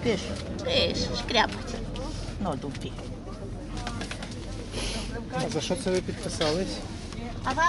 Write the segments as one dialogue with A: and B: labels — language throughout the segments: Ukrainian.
A: Пише.
B: Пише, шкряпать.
A: Ну, дупі.
C: А за що це ви підписались?
A: А вам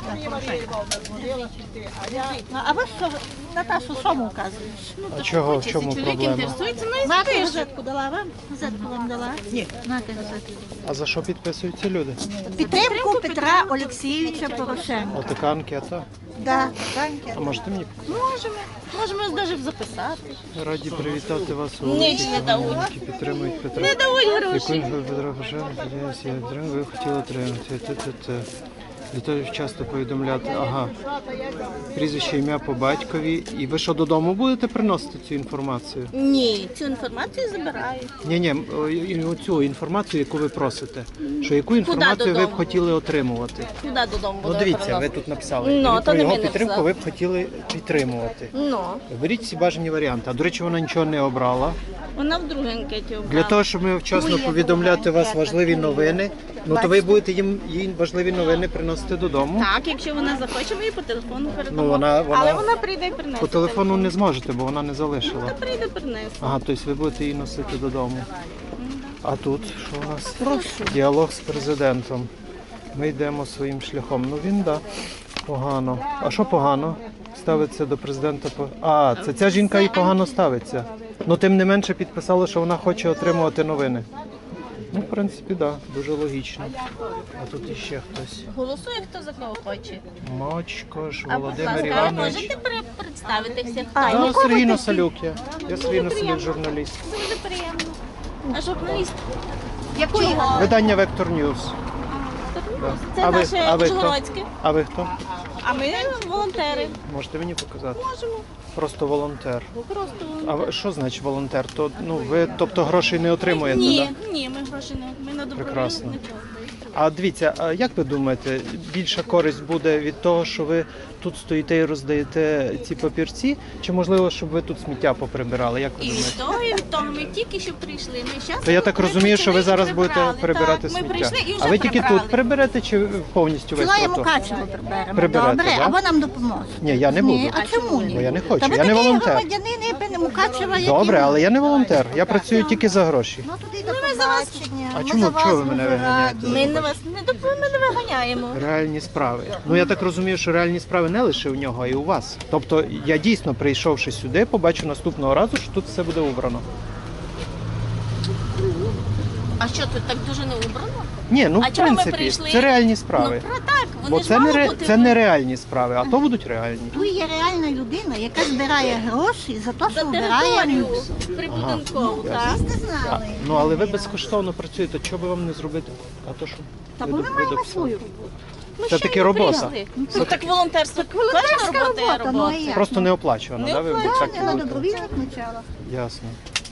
A: а ви що, Наташу, що му вказуєш?
C: А чого, в чому
B: Чоловік
C: проблема?
B: інтересується, ну і
A: Нате
B: спише.
A: газетку дала вам? Газетку вам дала? Ні. Нате газетку.
C: А за що підписуються люди?
A: Підтримку Петра Олексійовича Порошенка.
C: Отака анкета.
A: Да.
C: А можете мені показати?
B: Можемо навіть записати.
C: Раді привітати вас у
B: Ніч не дають.
C: які підтримують Петра.
B: Не дають
C: Яку
B: гроші.
C: Петра Порошенка, ви хотіли отримати. Для того часто повідомляти, прізвище, ім'я по батькові. І ви що, додому будете приносити цю інформацію?
B: Ні, цю інформацію забирають.
C: Ні, оцю інформацію, яку ви просите. Що яку інформацію ви б
B: додому?
C: хотіли отримувати?
B: Куди додому
C: Ну
B: будемо
C: дивіться, ви
B: приносити?
C: тут написали.
B: Ну, то
C: Про
B: не
C: його
B: ми
C: підтримку
B: написали.
C: ви б хотіли підтримувати.
B: Ну,
C: Беріть всі бажані варіанти. А до речі, вона нічого не обрала.
B: вона в другій анкеті обрала.
C: Для того, щоб ми вчасно повідомляти вас важливі новини, то ви будете їй важливі новини приносити додому.
B: Так, якщо вона захоче, ми їй по телефону передамо.
C: Ну, вона-
B: Але вона прийде і принесе.
C: По телефону не зможете, бо вона не залишила.
B: Та прийде, принесе.
C: Ага, тобто ви будете її носити додому. А тут що у нас? Діалог з президентом. Ми йдемо своїм шляхом. Ну він, погано. А що погано? Ставиться до президента це ця жінка і погано ставиться. Ну тим не менше підписала, що вона хоче отримувати новини. Ну, в принципі, дуже логічно. А тут іще хтось.
B: Голосує, хто за кого хоче.
C: Мочкош,
B: А, будь
C: Володимир
B: ласка,
C: Іванович.
B: можете представитися, хто?
C: Сергій Носолюк я. Я Сергій Носолюк, журналіст.
B: Дуже приємно. А журналіст?
A: Якої?
C: Видання Вектор Ньюс.
B: Це
C: А ви-
B: наше
C: а ви хто?
B: Ужгородське.
C: А ви хто?
B: А ми волонтери.
C: Можете мені показати?
B: Можемо.
C: Просто волонтер.
B: Просто
C: А що значить волонтер? Ви, тобто, грошей не отримуєте,
B: Ні,
C: так?
B: ні, ми гроші не. Ми на
C: Прекрасно.
B: добровільних.
C: А дивіться, а як ви думаєте, більша користь буде від того, що ви тут стоїте і роздаєте ці папірці, чи можливо, щоб ви тут сміття поприбирали? Як ви
B: І
C: думаєте?
B: від того, і від того. Ми тільки що прийшли. Ми щас
C: То я так розумію, що ви зараз будете
B: прибирали.
C: прибирати
B: Так,
C: сміття.
B: Ми прийшли і вже
C: А ви тільки
B: прибрали.
C: тут приберете чи повністю весь
A: Ціла
C: тротуар?
A: Мукачево приберемо.
C: Приберете,
A: Добре,
C: да?
A: або нам допоможе.
C: Ні, я не буду.
A: Ні, а чому ні?
C: Бо я не хочу,
A: Та ви
C: я не
A: такий
C: волонтер.
A: громадянин, якби Мукачева, який
C: Добре, але я не волонтер. Я
A: Так,
C: працюю
A: так.
C: тільки за гроші.
A: Ну тоді до побачення.
C: А
A: Ми
C: чому-
A: за вас
C: чого ви мене
A: дуже
C: виганяєте?
A: раді.
B: Ми на вас ми не виганяємо.
C: Реальні справи. Ну я так розумію, що реальні справи не лише у нього, а й у вас. Тобто я дійсно, прийшовши сюди, побачу наступного разу, що тут все буде убрано.
B: А що тут так дуже не убрано?
C: Ні, ну
B: А
C: в
B: чого ми
C: принципі,
B: прийшли?
C: це реальні справи.
B: Ну, про так, вони
C: Бо
B: ж
C: це
B: мали бути.
C: це не реальні справи, а то будуть реальні.
A: Ви є реальна людина, яка збирає гроші за те,
B: За
A: що вбирає
B: територію
A: люкс.
B: прибудинкову, так?
A: Ви не знали.
C: Ну але ви безкоштовно працюєте, чого би вам не зробити? А то що?
A: Та
C: Ви
A: бо ми маємо
C: дописали.
A: свою роботу.
C: Це таки робота.
B: Ну так волонтерство,
A: волонтерська
B: кожна робота є
A: робота, ну, а
B: робота.
A: як?
C: Просто не оплачувано,
B: Не
C: да? Ви
B: оплачувано,
C: так
A: Я на
C: кажете?
A: добровільних началах.
C: Ясно.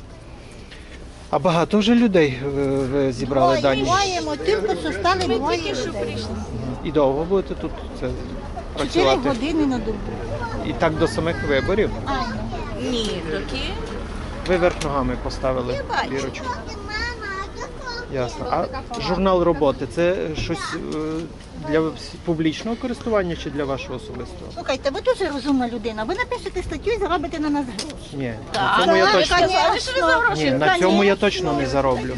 C: А багато вже людей ви зібрали дані?
A: Маємо, тільки що стали
B: Ми
A: двоє
B: тільки що
A: людей.
B: прийшли.
C: І довго будете тут
A: 4
C: працювати?
A: години на добу.
C: І так до самих виборів?
B: Ні, доки.
C: Ви верх ногами поставили бірочку. Ясно. А журнал роботи це щось для публічного користування чи для вашого особистого?
A: Слухайте, ви дуже розумна людина. Ви напишете статтю і заробите на нас гроші.
C: Ні, на
B: Так,
C: цьому я
B: ви
C: точно
B: казали, що ви за гроші.
C: ні, на цьому я точно не зароблю.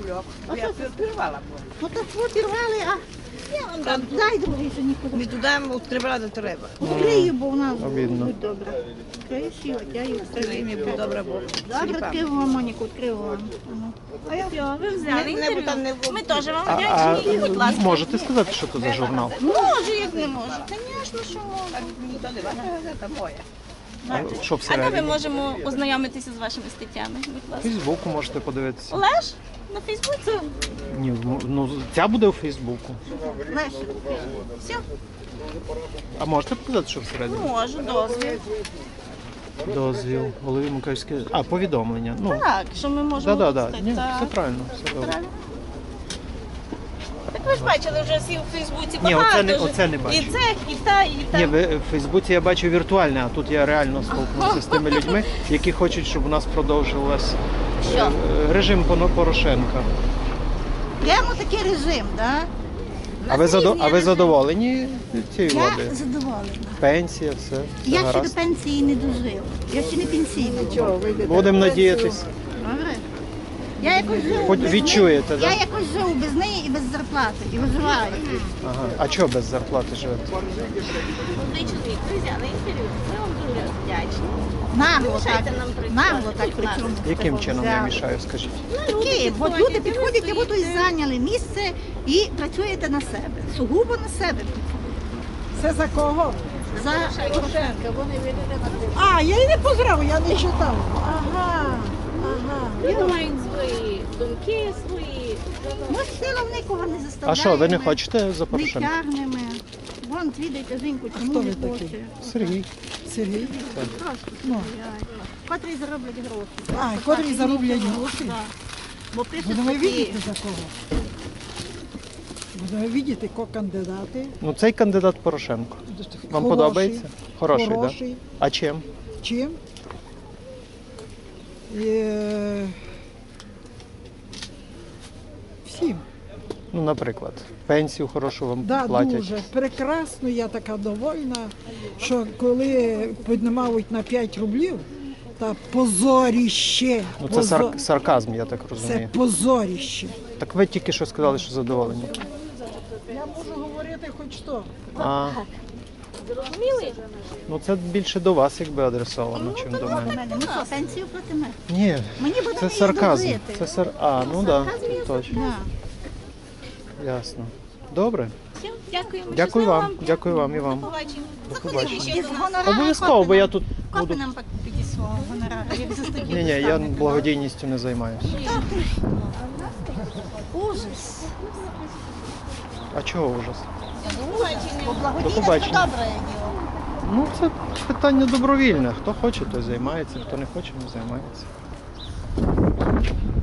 A: Ну так ви пірвали, а я вам дам. Дай другий, що нікуди.
D: Ми туди відкривати треба.
A: Відкрию, бо в нас
C: Обідно.
A: будь добре. Відкриєш і от я її відкрию.
D: Ми будь добре Бог.
A: Добре, відкрив вам, Моніку, відкрив вам. Ну.
B: Все, ви взяли
D: Не
B: інтерв'ю.
D: там не
B: Ми теж вам
C: А
B: вдячні. Будь ласка.
C: можете сказати, що це за журнал?
B: Можу, як не можу. Звісно, що можу.
D: Ніхто не ваша газета моя.
C: А що
B: А де ми
C: всередині?
B: можемо ознайомитися з вашими статтями? Будь
C: В
B: ласка.
C: Фейсбуку можете подивитися.
B: Олеж? На Фейсбуці?
C: Ні, ну ця буде у Фейсбуку.
A: Леся,
B: Все,
C: А можете показати, що всередині?
B: можу, дозвіл.
C: Дозвіл, голові Мукачівської. А, повідомлення. Ну,
B: Так, що ми можемо
C: да.
B: випустити,
C: Ні,
B: так.
C: все правильно, все добре.
B: Правильно. Так ви ж бачили вже всі в Фейсбуці
C: Ні,
B: багато.
C: оце не
B: вже.
C: бачу.
B: І це, і та, і та.
C: Ні, в Фейсбуці я бачу віртуальне, а тут я реально столкнувся з тими людьми, які хочуть, щоб у нас продовжилась
B: Що?
C: режим Порошенка.
A: прямо такий режим, так?
C: А ви задоволені цією
A: Я
C: владою?
A: задоволена.
C: Пенсія, все
A: Я ще до
C: гаразд.
A: пенсії не дожив. Я ще не пенсійний.
C: Будемо надіятись.
A: Добре. Я якось живу
C: Хоч
A: без
C: відчуєте,
A: неї. Я
C: да?
A: якось живу без неї і без зарплати. І виживаю.
C: Ага. А чого без зарплати живете?
B: Молодий чоловік, ви взяли інтерв'ю. Ми вам дуже вдячні.
A: Нагло
B: Мішайте
A: так.
B: нам працювати.
A: Нагло так при цьому.
C: Яким чином я
A: взяли.
C: мішаю, скажіть?
A: Такі, от люди підходять, як будто і зайняли місце і працюєте на себе. Сугубо на себе.
D: Це за кого?
A: За
D: А, я її не поздравив, я не читав. Ага, ага.
B: Люди мають свої думки, свої.
A: ми силом нікого не заставляємо.
C: А що, ви не хочете за
A: Не
C: Порошенка?
A: тягнемо. Вон, відайте жінку, чому
D: хто
A: не
D: ви такий?
A: хоче.
C: Сергій.
D: Сергій.
A: Просто
D: Ну.
A: стріляють. Котрі зароблять гроші.
D: А,
A: Просто
D: котрі
A: так,
D: зароблять
A: і
D: гроші?
A: так. Бо пишуть
D: Будемо
A: такі,
D: видіти за кого. Будемо видіти, кого кандидати.
C: Ну цей кандидат Порошенко. Вам
D: Хороший,
C: подобається? Хороший, так?
D: Хороший.
C: Да? А чим?
D: Чим? Всім.
C: Ну, наприклад, пенсію хорошу вам
D: Да,
C: платять.
D: дуже. Прекрасно, я така довольна, що коли піднімають на 5 рублів, та позоріще.
C: Ну це сарказм, я так
D: Це
C: розумію.
D: позоріще.
C: Так ви тільки що сказали, що задоволені.
D: Я можу говорити хоч що.
C: А,
B: Зрозуміли?
C: ну це більше до вас якби адресовано, чим до
A: проти
C: мене.
A: мене. Ну що, пенсію проти мене.
C: Ні,
A: Мені буде
C: це
A: неї
C: сарказм.
A: дожити.
C: А, ну так, да, точно.
A: Да.
C: Ясно. Добре.
B: Все, дякуємо.
C: Дякую
B: Щасливо
C: вам. Дякую вам і вам.
B: Побачимо.
C: До
B: Заходимо
C: побачення.
B: ще
A: Із
B: до нас.
A: гонорару
C: Обов'язково, бо я тут
A: Копи
C: буду.
A: нам піді свого гонорару, як за студію.
C: Ні, ні, я благодійністю не займаюся.
A: Ужас.
C: А чого ужас?
A: Бо благодійне це
C: побачення.
A: добре діло.
C: Ну це питання добровільне. Хто хоче, той займається, хто не хоче, не займається.